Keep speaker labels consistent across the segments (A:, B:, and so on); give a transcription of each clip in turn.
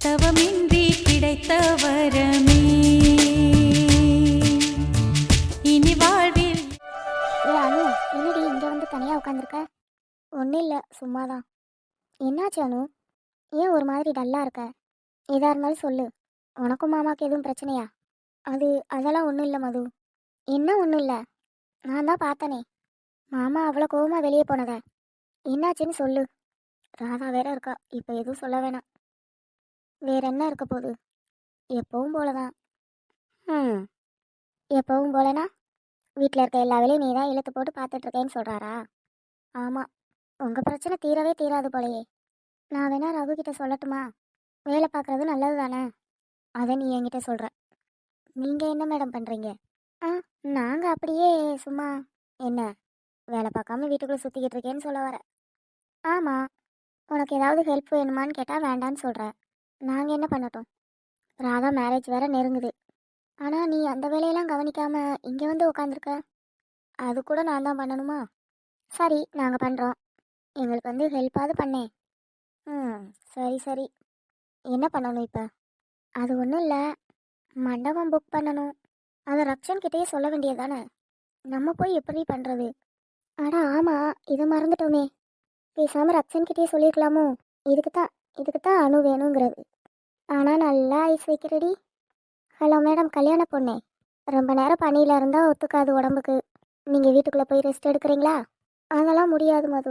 A: தவமின்றி கிடைத்த வரமே இனி வாழ்வில்.
B: ஏ அனு, என்னடி இங்கே வந்து தனியாக உட்காந்துருக்க? ஒன்றும் இல்லை, சும்மாதான். என்னாச்சு அனு? ஏன் ஒரு மாதிரி டல்லாக இருக்க? எதாக இருந்தாலும் சொல்லு. உனக்கும் மாமாவுக்கு எதுவும் பிரச்சனையா? அதெல்லாம் ஒன்றும் இல்லை மது. என்ன ஒன்றும் இல்லை? நான் தான் பார்த்தனே மாமா அவ்வளோ கோவமாக வெளியே போனத. என்னாச்சுன்னு சொல்லு. ராதா வேற இருக்கா, இப்போ எதுவும் சொல்ல வேணாம். வேற என்ன இருக்க போகுது? எப்பவும் போலதான். ம், எப்பவும் போலனா வீட்டில் இருக்க எல்லா வேலையும் நீ தான் இழுத்து போட்டு பார்த்துட்ருக்கேன்னு சொல்கிறாரா? ஆமாம், உங்கள் பிரச்சனை தீரவே தீராது போலையே. நான் வேணா ரகு கிட்ட சொல்லட்டுமா? வேலை பார்க்குறது நல்லது தானே? அதை நீ என்கிட்ட சொல்கிற. நீங்கள் என்ன மேடம் பண்ணுறீங்க? ஆ, நாங்கள் அப்படியே சும்மா. என்ன, வேலை பார்க்காம வீட்டுக்குள்ளே சுற்றிக்கிட்டு இருக்கேன்னு சொல்ல வர? ஆமாம். உனக்கு ஏதாவது ஹெல்ப் வேணுமான்னு கேட்டால் வேண்டான்னு சொல்கிற. நாங்கள் என்ன பண்ணட்டும்? ராதா மேரேஜ் வேற நெருங்குது. ஆனால் நீ அந்த வேலையெல்லாம் கவனிக்காம இங்கே வந்து உட்காந்துருக்க. அது கூட நான் தான் பண்ணணுமா? சரி, நாங்கள் பண்ணுறோம். எங்களுக்கு வந்து ஹெல்ப்பாவது பண்ணேன். ம், சரி சரி. என்ன பண்ணணும் இப்போ? அது ஒன்றும் இல்லை, மண்டபம் புக் பண்ணணும். அதை ரக்ஷன் கிட்டேயே சொல்ல வேண்டியது தானே? நம்ம போய் எப்படி பண்ணுறது? அட ஆமாம், இது மறந்துட்டோமே. பேசாமல் ரக்ஷன் கிட்டேயே சொல்லியிருக்கலாமோ? இதுக்கு தான் அணு வேணுங்கிறது. ஆனால் நல்லா ஐஸ் வைக்கிறடி. ஹலோ மேடம், கல்யாண பொண்ணே. ரொம்ப நேரம் பனியில் இருந்தால் ஒத்துக்காது உடம்புக்கு. நீங்கள் வீட்டுக்குள்ளே போய் ரெஸ்ட் எடுக்கிறீங்களா? அதெல்லாம் முடியாது மது.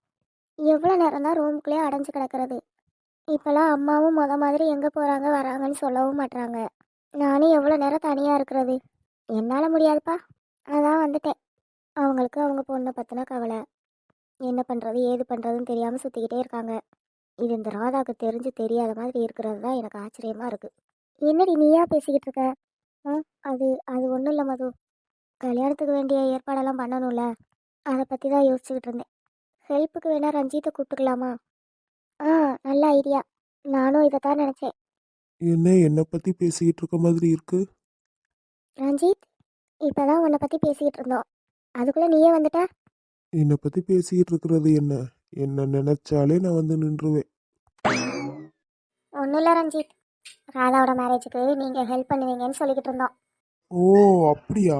B: எவ்வளோ நேரம் தான் ரூமுக்குள்ளேயே அடைஞ்சு கிடக்கிறது? இப்போல்லாம் அம்மாவும் மாதிரி எங்கே போகிறாங்க வராங்கன்னு சொல்லவும் மாட்றாங்க. நானும் எவ்வளோ நேரம் தனியாக இருக்கிறது? என்னால் முடியாதுப்பா. அதான் வந்துட்டேன். அவங்களுக்கு அவங்க பொண்ணை பற்றின கவலை. என்ன பண்ணுறது ஏது பண்ணுறதுன்னு தெரியாமல் சுற்றிக்கிட்டே இருக்காங்க. இது இந்த ராதாவுக்கு தெரிஞ்சு தெரியாத மாதிரி இருக்கிறது தான் எனக்கு ஆச்சரியமாக இருக்குது. என்னடி நீயா பேசிக்கிட்டு இருக்க? ஆ, அது அது ஒன்றும் இல்லை மது. கல்யாணத்துக்கு வேண்டிய ஏற்பாடெல்லாம் பண்ணணும்ல, அதை பற்றி தான் யோசிச்சுக்கிட்டு இருந்தேன். ஹெல்ப்புக்கு வேணால் ரஞ்சித்தை கூப்பிட்டுக்கலாமா? ஆ, நல்ல ஐடியா. நானும் இதை தான் நினச்சேன்.
C: என்னை பத்தி பேசிக்கிட்டு இருக்க மாதிரி இருக்கு.
B: ரஞ்சித், இப்போ தான் உன்னை பற்றி பேசிக்கிட்டு இருந்தோம், அதுக்குள்ளே நீயே வந்துட்ட.
C: என்னை பத்தி பேசிக்கிட்டு இருக்கிறது என்ன? என்ன நினைச்சாலே நான் வந்து நின்றுவேன்.
B: ஒன்றும் இல்லை ரஞ்சித், ராதாவோட மேரேஜுக்கு நீங்கள் ஹெல்ப் பண்ணுவீங்கன்னு சொல்லிக்கிட்டு இருந்தோம்.
C: ஓ, அப்படியா?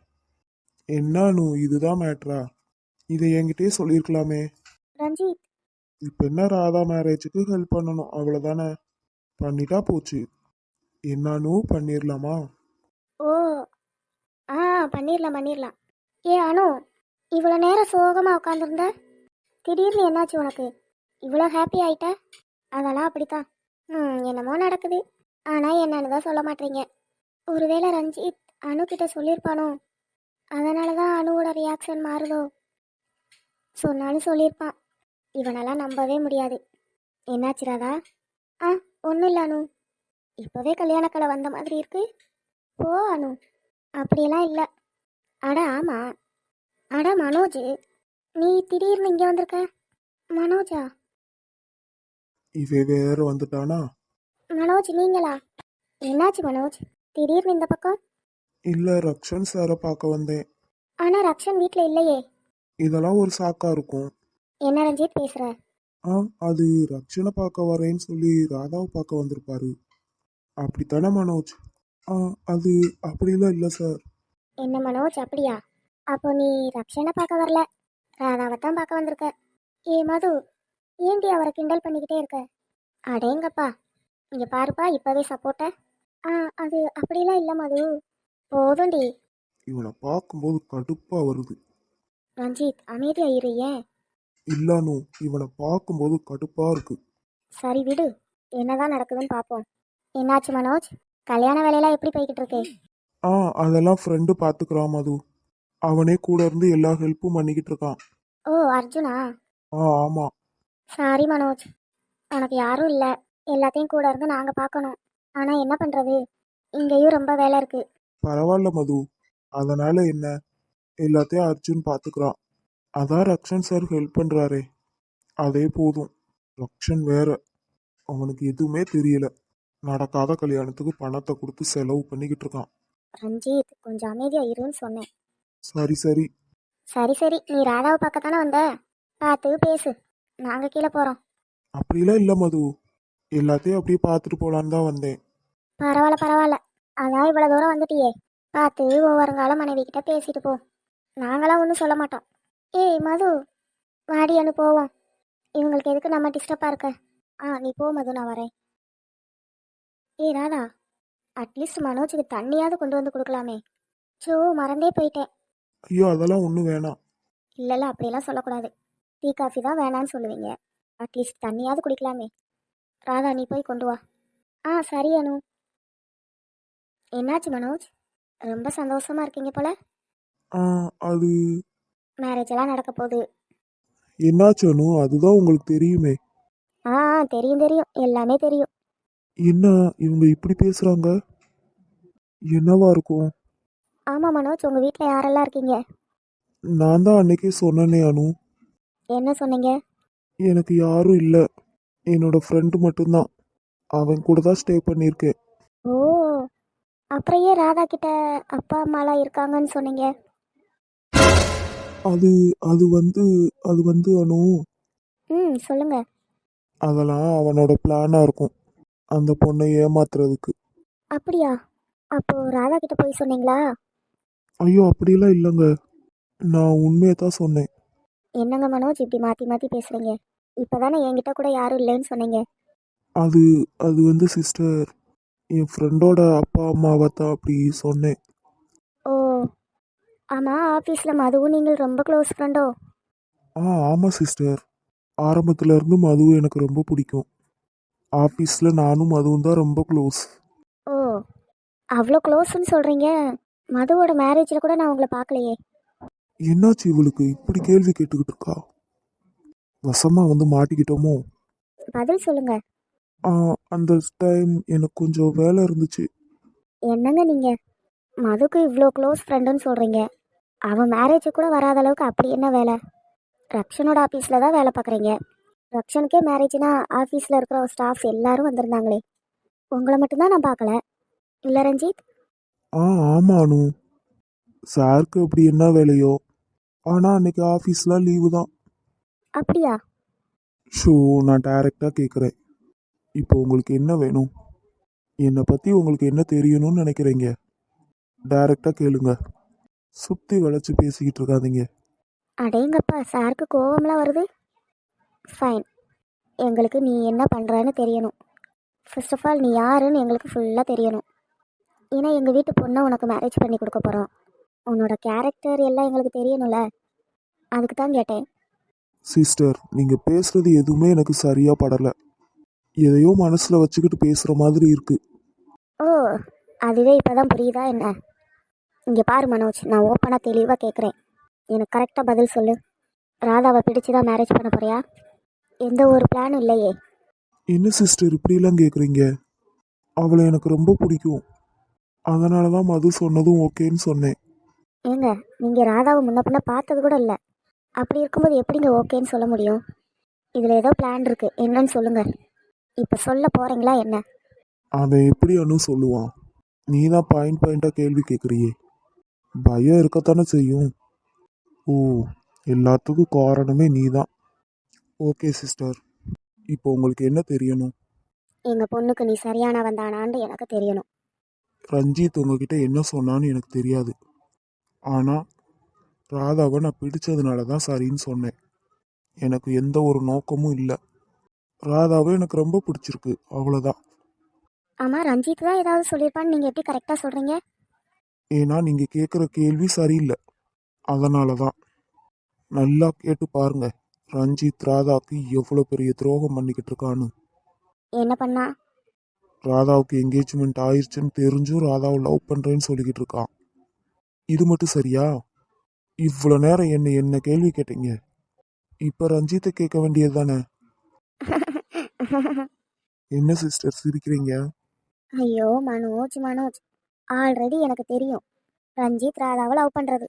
C: என்னானு இதுதான் மேட்ரா? இதை என்கிட்டயே சொல்லியிருக்கலாமே.
B: ரஞ்சித்,
C: இப்போ என்ன, ராதா மேரேஜுக்கு ஹெல்ப் பண்ணணும் அவ்வளோதானே? பண்ணிட்டா போச்சு. என்னானு பண்ணிடலாமா?
B: ஓ, ஆ, பண்ணிடலாம் பண்ணிடலாம். ஏ அனு, இவ்வளோ நேரம் சோகமாக உட்காந்துருந்த, திடீர்னு என்னாச்சு உனக்கு? இவ்வளோ ஹாப்பி ஆயிட்ட? அதெல்லாம் அப்படித்தான். என்னமோ நடக்குது. ஆனால் என்னன்னு தான் சொல்ல மாட்டீங்க. ஒருவேளை ரஞ்சித் அனு கிட்ட சொல்லியிருப்பானோ? அதனால தான் அணுவோட ரியாக்ஷன் மாறுதோ? சொன்னாலும் சொல்லியிருப்பான். இவனெல்லாம் நம்பவே முடியாது. என்னாச்சு ராதா? ஆ, ஒன்றும் இல்லை அனு. இப்போவே கல்யாணக்கலை வந்த மாதிரி இருக்கு. போ அனு, அப்படியெல்லாம் இல்லை. அட ஆமாம். அட மனோஜ், நீ திடீர்னு இங்கே வந்திருக்க? மனோஜா?
C: இவ வேற வந்துட்டானா?
B: மனோஜ் நீங்களா? என்னாச்சு மனோஜ், திடீர்னு இந்த பக்கம்?
C: இல்லை, ரக்ஷன் சாரை பார்க்க வந்தேன்.
B: ஆனால் ரக்ஷன் வீட்டில் இல்லையே.
C: இதெல்லாம் ஒரு சாக்கா இருக்கும்.
B: என்ன ரஞ்சித் பேசுகிற?
C: ஆ, அது ரக்ஷனை பார்க்க வரேன்னு சொல்லி ராதாவை பார்க்க வந்திருப்பாரு. அப்படித்தானே மனோஜ்? ஆ, அது அப்படிலாம் இல்லை சார்.
B: என்ன மனோஜ், அப்படியா? அப்போ நீ ரக்ஷனை பார்க்க வரல, ராதாவை தான் பார்க்க வந்திருக்க. ஏ மது, ஏண்டி அவரை கிண்டல் பண்ணிக்கிட்டே இருக்க? அடேங்கப்பா, இங்கே பாருப்பா, இப்போவே சப்போர்ட்ட. ஆ, அது அப்படிலாம் இல்லை மது. போதும்டி.
C: இவனை பார்க்கும்போது கடுப்பா வருது.
B: ரஞ்சித் அமைதியாக இரு. ஏன்?
C: இல்லானு, இவனை பார்க்கும்போது கடுப்பா இருக்கு.
B: சரி விடு, என்னதான் நடக்குதுன்னு பார்ப்போம். என்னாச்சு மனோஜ், கல்யாண வேலையெல்லாம் எப்படி போய்கிட்டு இருக்கு?
C: ஆ, அதெல்லாம் ஃப்ரெண்டு பார்த்துக்கிறான் மது. அவனே கூட இருந்து எல்லா ஹெல்ப்பும் பண்ணிக்கிட்டு இருக்கான்.
B: ஓ, அர்ஜுனா?
C: ஆ, ஆமா.
B: சாரி மனோஜ், உனக்கு யாரும் இல்லை, எல்லாத்தையும் கூட இருந்து நாங்கள் பார்க்கணும். ஆனால் என்ன பண்ணுறது, இங்கேயும் ரொம்ப வேலை இருக்குது.
C: பரவாயில்ல மது, அதனால என்ன, எல்லாத்தையும் அர்ஜுன் பார்த்துக்கிறான். அதான் ரக்ஷன் சார் ஹெல்ப் பண்றாரே, அதே போதும். ரக்ஷன் வேற, அவனுக்கு எதுவுமே தெரியல. நடக்காத கல்யாணத்துக்கு பணத்தை கொடுத்து செலவு பண்ணிக்கிட்டு இருக்கான்.
B: ரஞ்சித் கொஞ்சம் அமைதியாக இருன்னு சொன்னேன்.
C: சரி சரி.
B: சரி சரி, நீ ராதாவை பார்க்கத்தானே வந்த, பார்த்து பேசு, நாங்கள் கீழே போகிறோம்.
C: அப்படிலாம் இல்லை மது, எல்லாத்தையும் அப்படியே பார்த்துட்டு போலான்னு தான் வந்தேன்.
B: பரவாயில்ல பரவாயில்ல, அதான் இவ்வளோ தூரம் வந்துட்டியே, பார்த்து வருங்கால மனைவி கிட்ட பேசிட்டு போ. நாங்களாம் ஒன்றும் சொல்ல மாட்டோம். ஏய் மது, வாடி அனு போவோம். இவங்களுக்கு எதுக்கு நம்ம டிஸ்டர்பாக இருக்க? நீ போ மது, நான் வரேன். ஏய் ராதா, அட்லீஸ்ட் மனோஜுக்கு தண்ணியாவது கொண்டு வந்து கொடுக்கலாமே. சோ, மறந்தே போயிட்டேன்.
C: ஐயோ அதெல்லாம் ஒன்றும் வேணாம்.
B: இல்லைல்ல, அப்படியெல்லாம் சொல்லக்கூடாது. டீ காஃபி தான் வேணான்னு சொல்லுவீங்க. அட்லீஸ்ட் தண்ணியாவது குடிக்கலாமே. ராதா, நீ போய் கொண்டு வா. சரி அனு. என்னாச்சு மனோஜ், ரொம்ப சந்தோஷமா இருக்கீங்க போல.
C: ஆ அது
B: மேரேஜ் எல்லாம் நடக்க போகுது.
C: என்னாச்சனு அதுதான் உங்களுக்கு தெரியுமே.
B: ஆ தெரியும் தெரியும், எல்லாமே தெரியும்.
C: என்ன இவங்க இப்படி பேசுறாங்க? என்னவா இருக்கும்?
B: ஆமாம் மனோஜ், உங்கள் வீட்டில் யாரெல்லாம் இருக்கீங்க?
C: நான் தான் அன்னைக்கே சொன்னேனே அனு,
B: என்ன சொன்னீங்க?
C: எனக்கு யாரும் இல்லை, என்னோட ஃப்ரெண்டு மட்டும்தான். அவன் கூட தான் ஸ்டே பண்ணியிருக்கேன்.
B: ஓ, அப்புறம் ஏன் ராதா கிட்ட அப்பா அம்மாலாம் இருக்காங்கன்னு சொன்னீங்க?
C: அது அது வந்து அனு,
B: சொல்லுங்க.
C: அதெல்லாம் அவனோட பிளானாக இருக்கும், அந்த பொண்ணை ஏமாத்துறதுக்கு.
B: அப்படியா? அப்போ ராதா கிட்ட போய் சொன்னீங்களா?
C: ஐயோ அப்படிலாம் இல்லைங்க, நான் உண்மையை தான் சொன்னேன்.
B: என்னங்க மனோஜ், இப்படி மாற்றி மாற்றி பேசுகிறீங்க? இப்போ தானே என்கிட்ட கூட யாரும் இல்லைன்னு சொன்னீங்க.
C: அது அது வந்து சிஸ்டர், என் ஃப்ரெண்டோட அப்பா அம்மாவை தான் அப்படி சொன்னேன்.
B: ஓ, ஆமாம், ஆஃபீஸில் மதுவும் நீங்கள் ரொம்ப க்ளோஸ் ஃப்ரெண்டோ?
C: ஆமாம் சிஸ்டர், ஆரம்பத்துல இருந்து மதுவை எனக்கு ரொம்ப பிடிக்கும். ஆஃபீஸில் நானும் மதுவும் தான் ரொம்ப க்ளோஸ்.
B: ஓ, அவ்வளோ க்ளோஸ்ன்னு சொல்கிறீங்க. மதுவோட மேரேஜில் கூட நான் உங்களை பார்க்கலையே.
C: என்னாச்சு இவளுக்கு இப்படி கேள்வி கேட்டுக்கிட்டு இருக்கா? வசமா வந்து மாட்டிக்கிட்டோமோ?
B: பதில் சொல்லுங்க.
C: ஆ, அந்த டைம் எனக்கு கொஞ்சம் வேலை இருந்துச்சு.
B: என்னங்க நீங்கள், மதுக்கு இவ்வளோ க்ளோஸ் ஃப்ரெண்டுன்னு சொல்கிறீங்க, அவன் மேரேஜுக்கு கூட வராத அளவுக்கு அப்படி என்ன வேலை? ரக்ஷனோட ஆஃபீஸில் தான் வேலை பார்க்குறீங்க. ரக்ஷனுக்கே மேரேஜ்னா ஆஃபீஸில் இருக்கிற ஸ்டாஃப் எல்லாரும் வந்திருந்தாங்களே, உங்களை மட்டும்தான் நான் பார்க்கல. இல்லை ரஞ்சித்?
C: ஆமாம் அனு, சாருக்கு அப்படி என்ன வேலையோ, ஆனால் அன்னைக்கு ஆஃபீஸ்லாம் லீவு தான்.
B: அப்படியா?
C: ஷோ, நான் டைரெக்டாக கேட்குறேன், இப்போ உங்களுக்கு என்ன வேணும்? என்னை பற்றி உங்களுக்கு என்ன தெரியணும்னு நினைக்கிறீங்க? டைரெக்டாக கேளுங்க, சுற்றி வளைச்சு பேசிக்கிட்டு இருக்காதீங்க.
B: அடேங்கப்பா, சாருக்கு கோவம்லாம் வருது. ஃபைன், எங்களுக்கு நீ என்ன பண்ணுறன்னு தெரியணும். ஃபர்ஸ்ட் ஆஃப் ஆல் நீ யாருன்னு எங்களுக்கு ஃபுல்லாக தெரியணும். ஏன்னா எங்கள் வீட்டு பொண்ணை உனக்கு மேரேஜ் பண்ணி கொடுக்க போகிறோம். உன்னோட கேரக்டர் எல்லாம் எங்களுக்கு தெரியணும்ல, அதுக்கு தான் கேட்டேன்.
C: சிஸ்டர், நீங்கள் பேசுகிறது எதுவுமே எனக்கு சரியாக படலை. எதையோ மனசில் வச்சுக்கிட்டு பேசுகிற மாதிரி இருக்கு.
B: ஓ, அதுவே இப்போ தான் புரியுதா என்ன? இங்கே பாரு மனோஜ், நான் ஓப்பனாக தெளிவாக கேட்குறேன், எனக்கு கரெக்டாக பதில் சொல்லு. ராதாவை பிடிச்சி தான் மேரேஜ் பண்ண போறியா? எந்த ஒரு பிளானும் இல்லையே.
C: என்ன சிஸ்டர் இப்படிலாம் கேட்குறீங்க? அவளை எனக்கு ரொம்ப பிடிக்கும், அதனால தான் மது சொன்னதும் ஓகேன்னு சொன்னேன்.
B: ஏங்க, நீங்கள் ராதாவை முன்ன பின்ன பார்த்தது கூட இல்லை, அப்படி இருக்கும்போது எப்படிங்க ஓகேன்னு சொல்ல முடியும்? இதில் ஏதோ பிளான் இருக்குது, என்னன்னு சொல்லுங்கள். இப்போ சொல்ல போகிறீங்களா என்ன?
C: அவன் எப்படி அனு சொல்லுவான்? நீ தான் பாயிண்ட் பாயிண்டாக கேள்வி கேட்குறியே, பயம் இருக்கத்தானே செய்யும். ஓ, எல்லாத்துக்கும் காரணமே நீ தான். ஓகே சிஸ்டர், இப்போ உங்களுக்கு என்ன தெரியணும்?
B: எங்கள் பொண்ணுக்கு நீ சரியான வந்தானான்னு எனக்கு தெரியணும்.
C: ரஞ்சித் உங்ககிட்ட என்ன சொன்னான்னு எனக்கு தெரியாது, ஆனால் ராதாவை நான் பிடிச்சதுனால தான் சரின்னு சொன்னேன். எனக்கு எந்த ஒரு நோக்கமும் இல்லை. ராதாவை எனக்கு ரொம்ப பிடிச்சிருக்கு, அவ்வளோதான்.
B: ஆமாம், ரஞ்சித் தான் ஏதாவது சொல்லியிருப்பான்னு நீங்கள் எப்படி கரெக்டாக சொல்கிறீங்க?
C: ஏன்னா நீங்கள் கேட்குற கேள்வி சரியில்லை, அதனால தான். நல்லா கேட்டு பாருங்க, ரஞ்சித் ராதாவுக்கு எவ்வளோ பெரிய துரோகம் பண்ணிக்கிட்டு இருக்கான்னு.
B: என்ன பண்ணா?
C: ராதாவுக்கு என்கேஜ்மெண்ட் ஆயிடுச்சுன்னு தெரிஞ்சும் ராதாவை லவ் பண்ணுறேன்னு சொல்லிக்கிட்டு இருக்கான். இது மட்டும் சரியா? இவ்வளோ நேரம் என்ன கேள்வி கேட்டீங்க, இப்போ ரஞ்சித்தை கேட்க வேண்டியது தானே? என்ன சிஸ்டர் சிரிக்கிறீங்க?
B: ஐயோ மனோஜ் மனோஜ், ஆல்ரெடி எனக்கு தெரியும் ரஞ்சித் ராதாவை லவ் பண்ணுறது.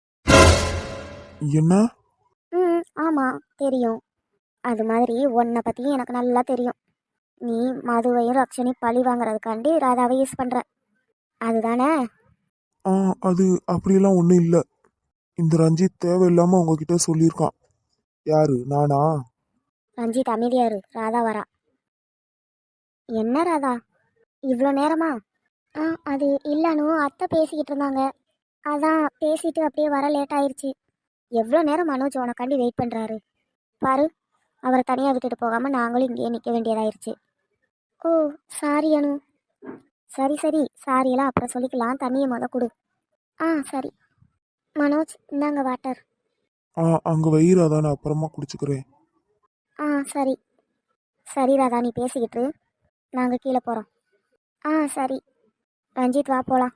C: என்ன?
B: ஆமாம் தெரியும். அது மாதிரி உன்னை பற்றியும் எனக்கு நல்லா தெரியும். நீ மதுவையும் ரக்ஷனையும் பழி வாங்குறதுக்காண்டி ராதாவை யூஸ் பண்ணுற, அதுதானே?
C: அது அப்படியெல்லாம் ஒன்றும் இல்லை. இந்த ரஞ்சித் தேவையில்லாமல் உங்ககிட்ட சொல்லியிருக்கான். யாரு, நானா?
B: ரஞ்சித் அமைதியாரு, ராதா வரா. என்ன ராதா, இவ்வளோ நேரமா? ஆ, அது இல்லைனு அத்தை பேசிக்கிட்டு இருந்தாங்க. அதான் பேசிட்டு அப்படியே வர லேட் ஆயிருச்சு. எவ்வளோ நேரம் மனோஜ் உனக்காண்டி வெயிட் பண்ணுறாரு பாரு. அவரை தனியாக விட்டுட்டு போகாமல் நாங்களும் இங்கேயே நிற்க வேண்டியதாயிருச்சு. ஓ, சாரி அனு. சரி சரி, சாரியெல்லாம் அப்புறம் சொல்லிக்கலாம். தண்ணியை கொடு. ஆ சரி. மனோஜ், இந்தாங்க வாட்டர்.
C: அங்கே வயிறாதான் நான் அப்புறமா குடிச்சுக்கிறேன்.
B: ஆ சரி. சரி ராதா, நீ பேசிக்கிட்டு நாங்கள் கீழே போகிறோம். ஆ சரி. ரஞ்சித், வா போகலாம்.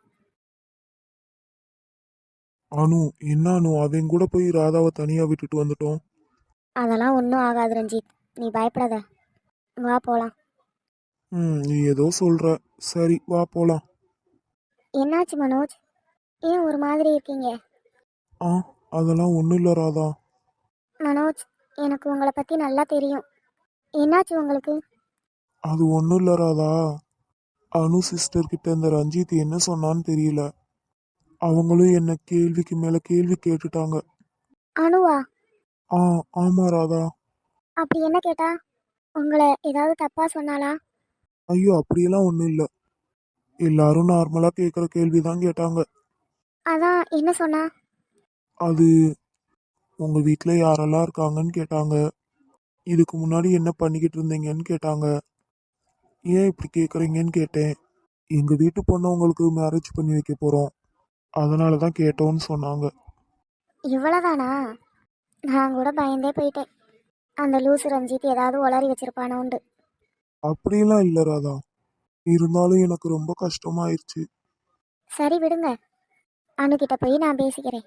C: அனு, என்ன அனு, அவன் கூட போய் ராதாவை தனியாக விட்டுட்டு வந்துட்டோம்.
B: அதெல்லாம் ஒன்றும் ஆகாது ரஞ்சித், நீ பயப்படாத. வா போகலாம்.
C: நீ ஏதோ சொல்கிற. சரி, வா போகலாம்.
B: என்னாச்சு மனோஜ், ஏன் ஒரு மாதிரி இருக்கீங்க?
C: ஆ, அதெல்லாம் ஒன்றும் இல்லை ராதா.
B: மனோஜ், எனக்கு உங்களை பற்றி நல்லா தெரியும். என்னாச்சு உங்களுக்கு?
C: அது ஒன்றும் இல்லை ராதா. அனு சிஸ்டர் கிட்ட இந்த ரஞ்சித் என்ன சொன்னான்னு தெரியல. அவங்களும் என்ன கேள்விக்கு மேலே கேள்வி கேட்டுட்டாங்க.
B: அனுவா?
C: ஆ, ஆமா ராதா.
B: அப்படி என்ன கேட்டா? உங்களை ஏதாவது தப்பா சொன்னாலா?
C: ஐயோ, அப்படியெல்லாம் ஒன்றும் இல்லை. எல்லாரும் நார்மலாக கேட்குற கேள்வி தான் கேட்டாங்க.
B: அதான் என்ன சொன்னா?
C: அது உங்கள் வீட்டில் யாரெல்லாம் இருக்காங்கன்னு கேட்டாங்க. இதுக்கு முன்னாடி என்ன பண்ணிக்கிட்டு இருந்தீங்கன்னு கேட்டாங்க. ஏன் இப்படி கேட்குறீங்கன்னு கேட்டேன். எங்கள் வீட்டு பொண்ணை உங்களுக்கு மேரேஜ் பண்ணி வைக்க போகிறோம், அதனால தான் கேட்டோன்னு சொன்னாங்க.
B: இவ்வளோதானா? நான் கூட பயந்தே போயிட்டேன். அந்த லூசு ரஞ்சித் ஏதாவது உளறி வச்சிருப்பானோண்டு.
C: அப்படியெல்லாம் இல்லை ராதா. இருந்தாலும் எனக்கு ரொம்ப கஷ்டமாயிருச்சு.
B: சரி விடுங்க, அனுக்கிட்ட போய் நான் பேசிக்கிறேன்.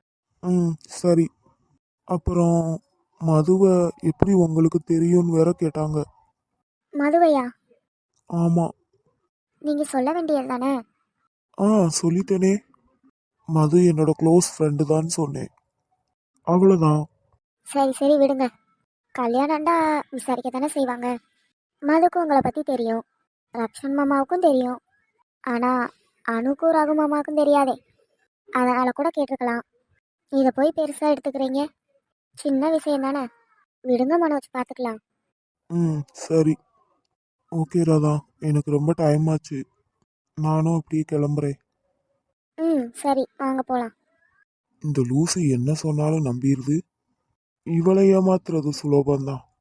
C: சரி. அப்புறம் மதுவை எப்படி உங்களுக்கு தெரியும்னு வேற கேட்டாங்க.
B: மதுவையா?
C: ஆமாம்.
B: நீங்க சொல்ல வேண்டியது தானே?
C: சொல்லிட்டேனே. மது என்னோட க்ளோஸ் ஃப்ரெண்டு தான் சொன்னேன், அவ்வளோதான்.
B: சரி சரி விடுங்க. கல்யாணம்டா விசாரிக்க தானே செய்வாங்க. மதுக்கும் உங்களை பற்றி தெரியும், ரக்ஷன் மாமாவுக்கும் தெரியும். ஆனால் அனுக்கும் ரகு மாமாவுக்கும் தெரியாதே. அதனால் கூட கேட்டிருக்கலாம். இதை போய் பெருசாக எடுத்துக்கிறீங்க. சின்ன விஷயம் தானே, விடுங்க மனோஜ், பார்த்துக்கலாம்.
C: சரி. ஓகே ராதா, எனக்கு ரொம்ப டைம் ஆச்சு. நானும் அப்படியே கிளம்புறேன்.
B: சரி, வாங்க போகலாம்.
C: இந்த லூசு என்ன சொன்னாலும் நம்பிடுது. இவளை ஏமாத்துறது சுலபந்தான்.